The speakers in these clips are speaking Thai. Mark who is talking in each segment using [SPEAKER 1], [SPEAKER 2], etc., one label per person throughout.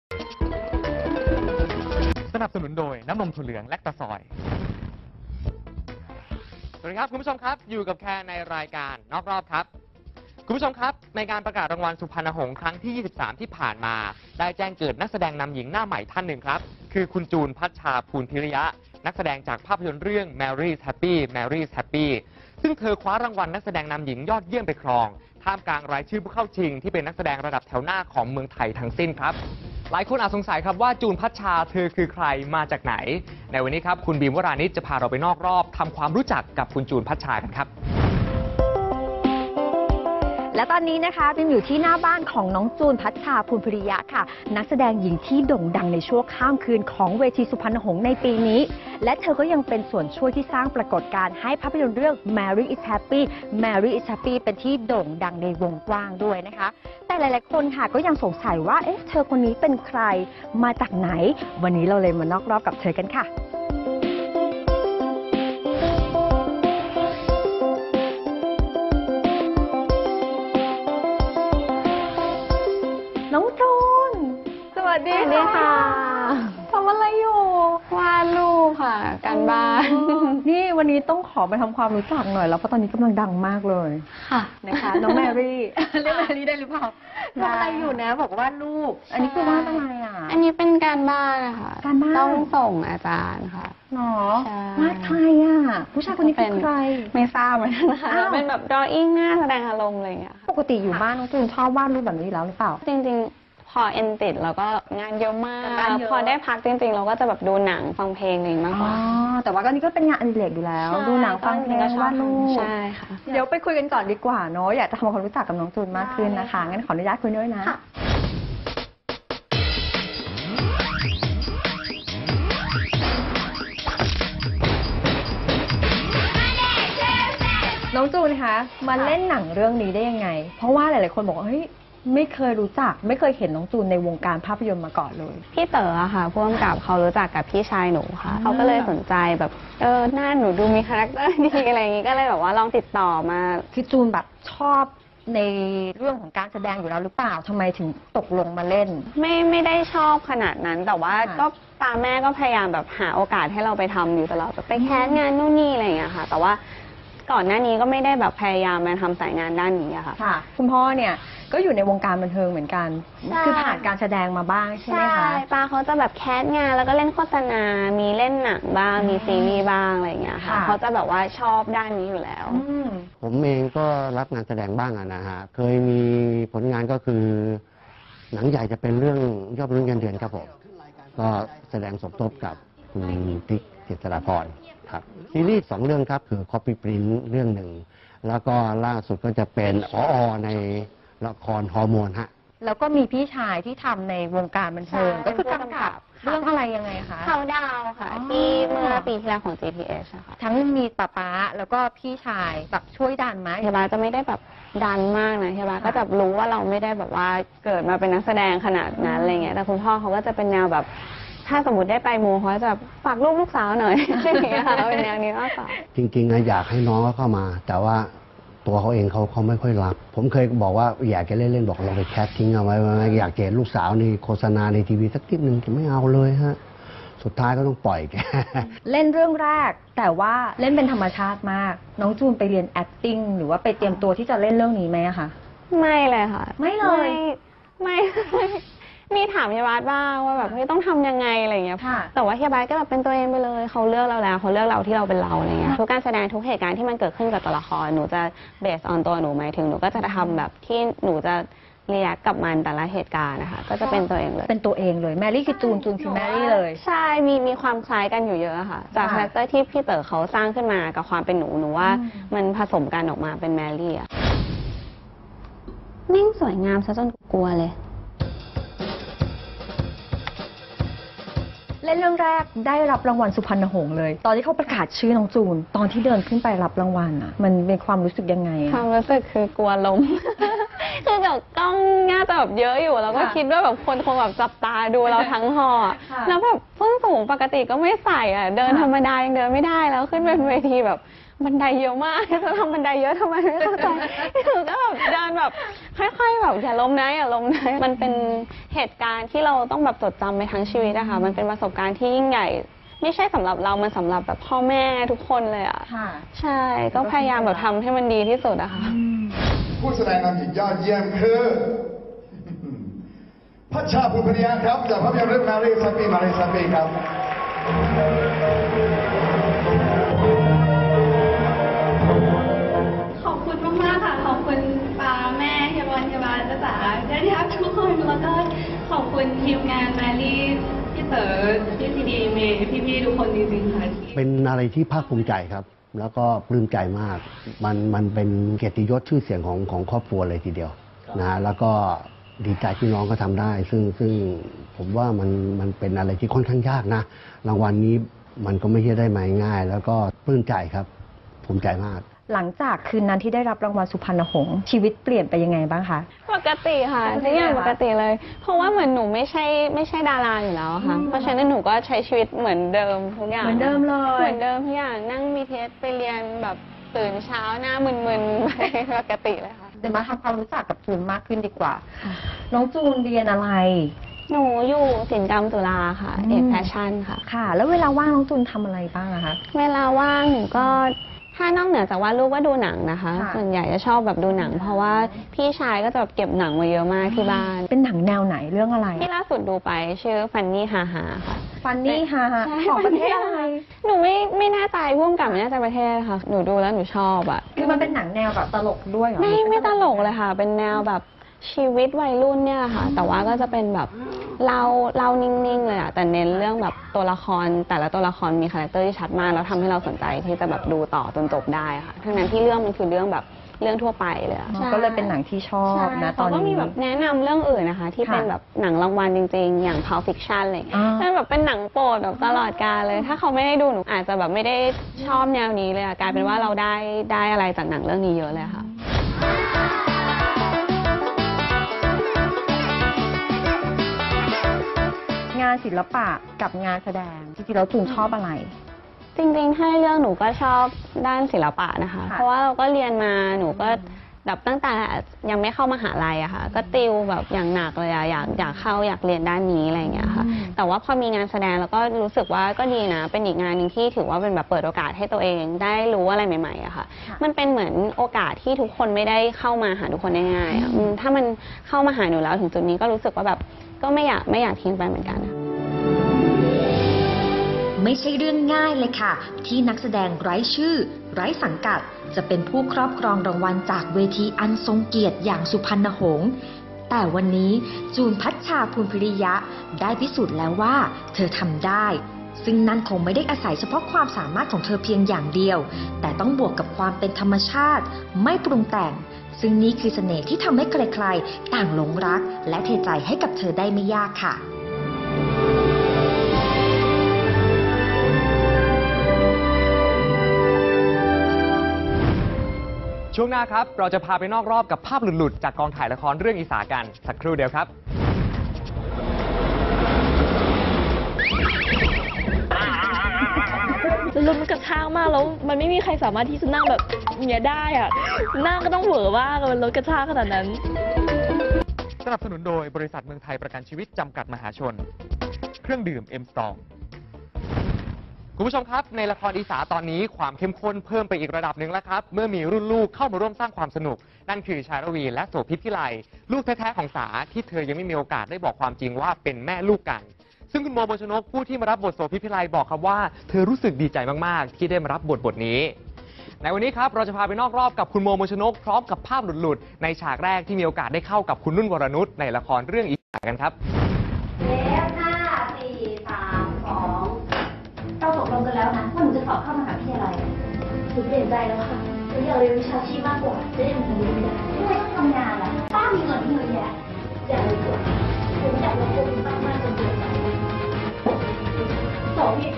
[SPEAKER 1] สนับสนุนโดยน้ำนมถั่วเหลืองแลคตาซอยสวัสดีครับคุณผู้ชมครับอยู่กับแค่ในรายการนอกรอบครับคุณผู้ชมครับในการประกาศรางวัลสุพรรณหงส์ครั้งที่ 23 ที่ผ่านมาได้แจ้งเกิดนักแสดงนำหญิงหน้าใหม่ท่านหนึ่งครับคือคุณจูนพัชชาภูลพิริยะนักแสดงจากภาพยนตร์เรื่อง Mary's Happy Mary's Happy ซึ่งเธอคว้ารางวัลนักแสดงนำหญิงยอดเยี่ยมไปครองท่ามกลางรายชื่อผู้เข้าชิงที่เป็นนักแสดงระดับแถวหน้าของเมืองไทยทั้งสิ้นครับหลายคนอาจสงสัยครับว่าจูนพัชชาเธอคือใครมาจากไหนในวันนี้ครับคุณบีมวรานิชจะพาเราไปนอกรอบทำความรู้จักกับคุณจูนพัชชากันครับ
[SPEAKER 2] และตอนนี้นะคะบิมอยู่ที่หน้าบ้านของน้องจูนพัชชาภูลพิริยะค่ะนักแสดงหญิงที่โด่งดังในชั่วข้ามคืนของเวทีสุพรรณหงส์ในปีนี้และเธอก็ยังเป็นส่วนช่วยที่สร้างปรากฏการณ์ให้ภาพยนตร์เรื่อง Mary is Happy Mary is Happy เป็นที่โด่งดังในวงกว้างด้วยนะคะแต่หลายๆคนค่ะก็ยังสงสัยว่าเอ๊ะเธอคนนี้เป็นใครมาจากไหนวันนี้เราเลยมานอกรอบกับเธอกันค่ะน้องจูนสวัสดีค่ะทำอะไรอยู่
[SPEAKER 3] วาดรูปค่ะการบ้าน
[SPEAKER 2] นี่วันนี้ต้องขอไปทำความรู้จักหน่อยแล้วเพราะตอนนี้กำลังดังมากเลย
[SPEAKER 3] ค่ะ
[SPEAKER 2] นะคะน้องแมรี่เรียกแมรี่ได้หรือเปล่าทำอะไรอยู่นะบอกว่ารูปอันนี้คือวาดอะไรอ่ะ
[SPEAKER 3] อันนี้เป็นการบ้านนะคะ
[SPEAKER 2] การบ้าน
[SPEAKER 3] ต้องส่งอาจารย์ค่ะ
[SPEAKER 2] หรอวาดใครอ่ะผู้ชายคนนี้เป็นใคร
[SPEAKER 3] ไม่ทราบเหมือนกันนะคะเป็นแบบ drawing หน้าแสดงอารมณ์อะไรอย่างเงี้ย
[SPEAKER 2] ปกติอยู่บ้านน้องจูนชอบวาดรูปแบบนี้แล้วหรือเปล่า
[SPEAKER 3] จริงๆพอเอ็นติดแล้วก็งานเยอะมากพอได้พักจริงๆเราก็จะแบบดูหนังฟังเพลงอะไรมากกว่า
[SPEAKER 2] แต่ว่าก็นี่ก็เป็นงานอดิเรกอยู่แล้วดูหนังฟังเพลงวาดรูป
[SPEAKER 3] ใช่ค่ะ
[SPEAKER 2] เดี๋ยวไปคุยกันก่อนดีกว่าเนาะอยากจะทำความรู้จักกับน้องจูนมากขึ้นนะคะงั้นขออนุญาตคุยด้วยนะน้องจูนคะมาเล่นหนังเรื่องนี้ได้ยังไงเพราะว่าหลายๆคนบอกว่าเฮ้ยไม่เคยรู้จักไม่เคยเห็นน้องจูนในวงการภาพยนตร์มาก่อนเลย
[SPEAKER 3] พี่เต๋อค่ะผู้กำกับเขารู้จักกับพี่ชายหนูค่ะเขาก็เลยสนใจแบบหน้าหนูดูมีคาแรคเตอร์ดีอะไรอย่างงี้ก็เลยแบบว่าลองติดต่อมา
[SPEAKER 2] คือจูนแบบชอบในเรื่องของการแสดงอยู่แล้วหรือเปล่าทำไมถึงตกลงมาเล่น
[SPEAKER 3] ไม่ได้ชอบขนาดนั้นแต่ว่าก็ตามแม่ก็พยายามแบบหาโอกาสให้เราไปทำอยู่ตลอดแบบไปแคสงานนู่นนี่อะไรอย่างเงี้ยค่ะแต่ว่าก่อนหน้านี้ก็ไม่ได้แบบพยายามมาทำสายงานด้านนี้อะค่ะ
[SPEAKER 2] คุณพ่อเนี่ยก็อยู่ในวงการบันเทิงเหมือนกันคือผ่านการแสดงมาบ้างใช่ไหมคะ
[SPEAKER 3] ใช่ป้าเขาจะแบบแคสงานแล้วก็เล่นโฆษณามีเล่นหนังบ้างมีซีรีส์บ้างอะไรอย่างเงี้ยค่ะเขาจะแบบว่าชอบด้านนี้อยู่แล้ว
[SPEAKER 4] ผมเองก็รับงานแสดงบ้างนะฮะเคยมีผลงานก็คือหนังใหญ่จะเป็นเรื่องยอดมนุษย์เงินเดือนครับผมก็แสดงสมทบกับคุณติ๊กเจษฎาพรครับซีรีส์2เรื่องครับคือ Copy Print เรื่องหนึ่งแล้วก็ล่าสุดก็จะเป็นในละครฮอร์โมนฮะ
[SPEAKER 2] แล้วก็มีพี่ชายที่ทำในวงการบันเทิงก็คือกำกับเรื่องอะไรยังไงคะ
[SPEAKER 3] เขาดาวค่ะที่เมื่อปีที่แล้วของ GTH ค่ะ
[SPEAKER 2] ทั้งมีป๊าแล้วก็พี่ชายแบบช่วยดันไหม
[SPEAKER 3] เฮียบาจะไม่ได้แบบดันมากนะเฮียบาก็จะรู้ว่าเราไม่ได้แบบว่าเกิดมาเป็นนักแสดงขนาดนั้นอะไรเงี้ยแต่คุณพ่อเขาก็จะเป็นแนวแบบถ้าสมมติได้ไปมูเขาจะฝากลูกสาวหน่อยอย่างเงี้ยค่ะเป็นแนวนี้มากกว่า
[SPEAKER 4] จริงๆอยากให้น้องเขาเข้ามาแต่ว่าตัวเขาเองเขาไม่ค่อยรับผมเคยบอกว่าอยากจะเล่นๆบอกเราไปแคสทิ้งเอาไว้อยากเห็นลูกสาวในโฆษณาในทีวีสักทีหนึ่งจะไม่เอาเลยฮะสุดท้ายก็ต้องปล่อยแก
[SPEAKER 2] เล่นเรื่องแรกแต่ว่าเล่นเป็นธรรมชาติมากน้องจูนไปเรียน acting หรือว่าไปเตรียมตัวที่จะเล่นเรื่องนี้ไหมคะ
[SPEAKER 3] ไม่เลยค่ะ
[SPEAKER 2] ไม่เลย
[SPEAKER 3] ไม่มีถามเฮียบาสบ้างว่าแบบต้องทำยังไงอะไรอย่างเงี้ยแต่ว่าเฮียบาสก็แบบเป็นตัวเองไปเลยเขาเลือกเราแล้วเขาเลือกเราที่เราเป็นเราอะไรเงี้ยทุกการแสดงทุกเหตุการณ์ที่มันเกิดขึ้นกับตัวละครหนูจะเบสออนตัวหนูหมายถึงหนูก็จะทำแบบที่หนูจะเรียกกับมันแต่ละเหตุการณ์นะคะก็จะเป็นตัวเองเลย
[SPEAKER 2] เป็นตัวเองเลยแมรี่คือจูนคือแมรี่เลย
[SPEAKER 3] ใช่มีความคล้ายกันอยู่เยอะค่ะจากคาแรคเตอร์ที่พี่เต๋อเขาสร้างขึ้นมากับความเป็นหนูว่ามันผสมกันออกมาเป็นแมรี่อะนิ่งสวยงามซะจนกลัวเลย
[SPEAKER 2] เล่นเรื่องแรกได้รับรางวัลสุพรรณหงส์เลยตอนที่เขาประกาศชื่อน้องจูนตอนที่เดินขึ้นไปรับรางวัลอ่ะมันเป็นความรู้สึกยังไง
[SPEAKER 3] ความรู้สึกคือกลัวล้มคือแบบกล้องน่าจะแบบเยอะอยู่แล้วก็คิดว่าแบบคนคงแบบจับตาดูเราทั้งหอแล้วแบบส้นสูงปกติก็ไม่ใส่อ่ะเดินธรรมดายังเดินไม่ได้แล้วขึ้นเป็นเวทีแบบบันไดเยอะมากจะทำบันไดเยอะทำไมไม่เข้าใจหนูก็แบบเดินแบบค่อยๆแบบอย่าล้มนะอย่าล้มนะมันเป็นเหตุการณ์ที่เราต้องแบบจดจำไปทั้งชีวิตอะค่ะมันเป็นประสบการณ์ที่ยิ่งใหญ่ไม่ใช่สำหรับเรามันสำหรับแบบพ่อแม่ทุกคนเลยอะใช่ก็พยายามแบบทำให้มันดีที่สุดอะค่ะ
[SPEAKER 5] ผู้แสดงนำหญิงยอดเยี่ยมคือพัชชาภูพริยะครับจากภาพยนตร์เรื่องมารีสัปปีครับ
[SPEAKER 6] ขอบคุณมากๆค่ะขอบคุณป้าแม่เฮียบอลเฮียบาจ้าจ๋าญาติทุกคนแล้วก็ขอบคุณทีมงานมารีพี่เต๋อพี่ซีดีเมย์พี่ๆทุกคนจริงๆค่ะ
[SPEAKER 4] เป็นอะไรที่ภาคภูมิใจครับ แล้วก็ปลื้มใจมากมันเป็นเกียรติยศชื่อเสียงของครอบครัวเลยทีเดียวนะแล้วก็ดีใจที่น้องก็ทำได้ซึ่งผมว่ามันเป็นอะไรที่ค่อนข้างยากนะรางวัลนี้มันก็ไม่ใช่ได้มาง่ายแล้วก็ปลื้มใจครับภูมิใจมาก
[SPEAKER 2] หลังจากคืนนั้นที่ได้รับรางวัลสุพรรณหงษ์ชีวิตเปลี่ยนไปยังไงบ้างคะ
[SPEAKER 3] ปกติค่ะทุกอย่างปกติเลยเพราะว่าเหมือนหนูไม่ใช่ดาราอยู่แล้วค่ะเพราะฉะนั้นหนูก็ใช้ชีวิตเหมือนเดิมทุกอย่าง
[SPEAKER 2] เหมือนเดิมเลย
[SPEAKER 3] เหมือนเดิมทุกอย่างนั่งBTSไปเรียนแบบตื่นเช้าหน้ามึนๆไปปกติเลยค่ะ
[SPEAKER 2] เดี๋ยวมาทำความรู้จักกับจูนมากขึ้นดีกว่าน้องจูนเรียนอะไร
[SPEAKER 3] หนูอยู่ศิลปกรรมจุฬาค่ะเอกแฟชั่นค่ะ
[SPEAKER 2] ค่ะแล้วเวลาว่างน้องจูนทำอะไรบ้างอะคะ
[SPEAKER 3] เวลาว่างหนูก็ถ้านอกเหนือจากว่าลูกก็ดูหนังนะคะส่วนใหญ่จะชอบแบบดูหนังเพราะว่าพี่ชายก็จะแบบเก็บหนังมาเยอะมากที่บ้าน
[SPEAKER 2] เป็นหนังแนวไหนเรื่องอะไร
[SPEAKER 3] ที่ล่าสุดดูไปชื่อฟันนี่ฮาฮาค่ะ
[SPEAKER 2] ฟันนี่ฮาฮาของประเทศอะไร
[SPEAKER 3] หนูไม่แน่ใจร่วมกับไม่แน่ใจประเทศค่ะหนูดูแล้วหนูชอบอะ
[SPEAKER 2] คือมันเป็นหนังแนวแบบตลกด้วยเหรอ
[SPEAKER 3] ไม่ตลกเลยค่ะเป็นแนวแบบชีวิตวัยรุ่นเนี่ยค่ะแต่ว่าก็จะเป็นแบบเรานิ่งๆเลยอะแต่เน้นเรื่องแบบตัวละครแต่ละตัวละครมีคาแรคเตอร์ที่ชัดมากแล้วทำให้เราสนใจที่จะแบบดูต่อจนจบได้ค่ะทั้งนั้นที่เรื่องมันคือเรื่องแบบเรื่องทั่วไปเลย
[SPEAKER 2] ก็เลยเป็นหนังที่ชอบนะตอนนี้
[SPEAKER 3] ก็มีแบบแนะนำเรื่องอื่นนะคะที่เป็นแบบหนังรางวัลจริงๆอย่าง Pulp Fiction อะไรนั่นแบบเป็นหนังโปรดแบบตลอดกาลเลยถ้าเขาไม่ได้ดูหนูอาจจะแบบไม่ได้ชอบแนวนี้เลยกลายเป็นว่าเราได้อะไรจากหนังเรื่องนี้เยอะเลยค่ะ
[SPEAKER 2] งานศิลปะกับงานแสดงจริงๆแล้วจูนชอบอะไร
[SPEAKER 3] จริงๆถ้าเรื่องหนูก็ชอบด้านศิลปะนะคะเพราะว่าเราก็เรียนมาหนูก็แบบตั้งแต่ยังไม่เข้ามหาลัยอะค่ะก็ติวแบบอย่างหนักเลยอะอยากเข้าอยากเรียนด้านนี้อะไรอย่างเงี้ยค่ะแต่ว่าพอมีงานแสดงแล้วก็รู้สึกว่าก็ดีนะเป็นอีกงานหนึ่งที่ถือว่าเป็นแบบเปิดโอกาสให้ตัวเองได้รู้อะไรใหม่ๆอะค่ะมันเป็นเหมือนโอกาสที่ทุกคนไม่ได้เข้ามาหาทุกคนได้ง่ายถ้ามันเข้ามาหาหนูแล้วถึงจุดนี้ก็รู้สึกว่าแบบก็ไม่อยากทิ้งไปเหมือนกัน
[SPEAKER 7] ไม่ใช่เรื่องง่ายเลยค่ะที่นักแสดงไร้ชื่อไร้สังกัดจะเป็นผู้ครอบครองรางวัลจากเวทีอันทรงเกียรติอย่างสุพรรณหงษ์แต่วันนี้จูนพัชชาภูลพิริยะได้พิสูจน์แล้วว่าเธอทำได้ซึ่งนั่นคงไม่ได้อาศัยเฉพาะความสามารถของเธอเพียงอย่างเดียวแต่ต้องบวกกับความเป็นธรรมชาติไม่ปรุงแต่งซึ่งนี่คือเสน่ห์ที่ทำให้ใครๆต่างหลงรักและเทใจให้กับเธอได้ไม่ยากค่ะ
[SPEAKER 1] ช่วงหน้าครับเราจะพาไปนอกรอบกับภาพหลุดๆจากกองถ่ายละครเรื่องอีสากันสักครู่เดียวครับ
[SPEAKER 8] รถมันกระชากมากแล้วมันไม่มีใครสามารถที่จะนั่งแบบเนี้ยได้อะนั่งก็ต้องเหวอมากรถกระชากขนาดนั้น
[SPEAKER 1] สนับสนุนโดยบริษัทเมืองไทยประกันชีวิตจำกัดมหาชนเครื่องดื่มเอ็มสตองคุณผู้ชมครับในละครอีสาตอนนี้ความเข้มข้นเพิ่มไปอีกระดับหนึ่งแล้วครับเมื่อมีรุ่นลูกเข้ามาร่วมสร้างความสนุกนั่นคือชาลวีและโสภิตพิไลลูกแท้ๆของสาที่เธอยังไม่มีโอกาสได้บอกความจริงว่าเป็นแม่ลูกกันซึ่งคุณโมบชนกผู้ที่มารับบทโสภิตพิไลบอกครับว่าเธอรู้สึกดีใจมากๆที่ได้มารับบทนี้ในวันนี้ครับเราจะพาไปนอกรอบกับคุณโมบชนกพร้อมกับภาพหลุดๆในฉากแรกที่มีโอกาสได้เข้ากับคุณนุ่นวรนุชในละครเรื่องอีสากันครับ
[SPEAKER 9] เราตกลงกันแล้วนะว่าหนูจะสอบเข้ามหาวิทยาลัยหนูเปลี่ยนใจแล้วค่ะหนูอยากเรียนวิชาชีพมากกว่าจะได้ทำงานไม่ได้ทำไมต้องทำงานล่ะป้ามีเงินที่เยอะแยะอยากเรียนกว่าหนูไม่อยากลงทุนมากมากจนเกินไปโสภิต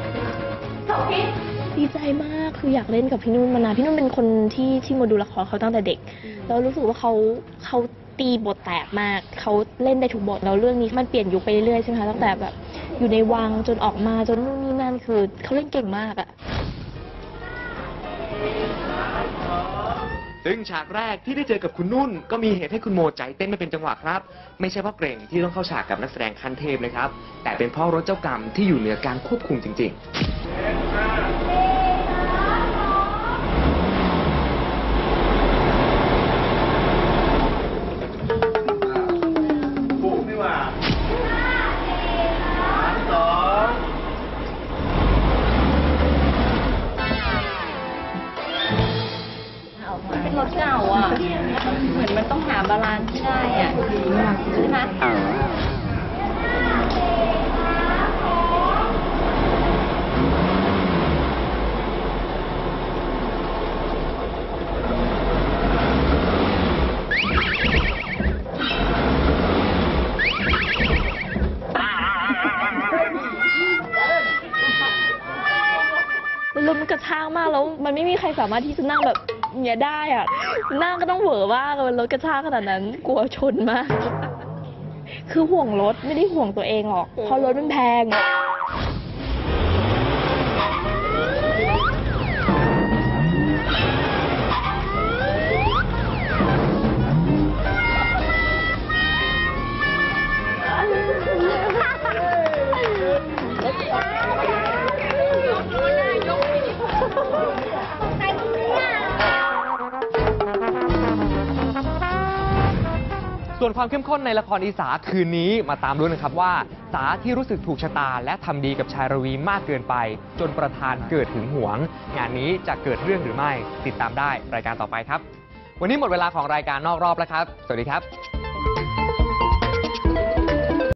[SPEAKER 8] ดีใจมากคืออยากเล่นกับพี่นุ่นมานานพี่นุ่นเป็นคนที่มาดูละครเขาตั้งแต่เด็กแล้วรู้สึกว่าเขาตีบทแตกมากเขาเล่นได้ทุกบทแล้วเรื่องนี้มันเปลี่ยนยุคไปเรื่อยๆใช่ไหมคะตั้งแต่แบบอยู่ในวังจนออกมาจนนู่นนี่นั่นคือเขาเล่นเก่งมากอะ
[SPEAKER 1] ซึ่งฉากแรกที่ได้เจอกับคุณนุ่นก็มีเหตุให้คุณโมใจเต้นไม่เป็นจังหวะครับ ไม่ใช่เพราะเกรงที่ต้องเข้าฉากกับนักแสดงขั้นเทพนะครับ แต่เป็นเพราะรถเจ้ากรรมที่อยู่เหนือการควบคุมจริง
[SPEAKER 5] ปุ๊บนี่หว่า3 2
[SPEAKER 9] เป็นรถเก่าอ่ะ เหมือนมันต้องหาบาลานซ์ที่ได้อ่ะใช่ไหม
[SPEAKER 8] รถมันกระชากมากแล้วมันไม่มีใครสามารถที่จะนั่งแบบอย่างเงี้ยได้อะนั่งก็ต้องเหวอมากเลยรถกระชากขนาดนั้นกลัวชนมาก คือห่วงรถไม่ได้ห่วงตัวเองหรอกเพราะรถมันแพง
[SPEAKER 1] ๆ ส่วนความเข้มข้นในละครอีสาคืนนี้มาตามลุ้นนะครับว่าสาที่รู้สึกถูกชะตาและทำดีกับชายระวีมากเกินไป จนประธานเกิดหึงหวง งานนี้จะเกิดเรื่องหรือไม่ติดตามได้รายการต่อไปครับ วันนี้หมดเวลาของรายการนอกรอบแล้วครับ สวัสดีครับ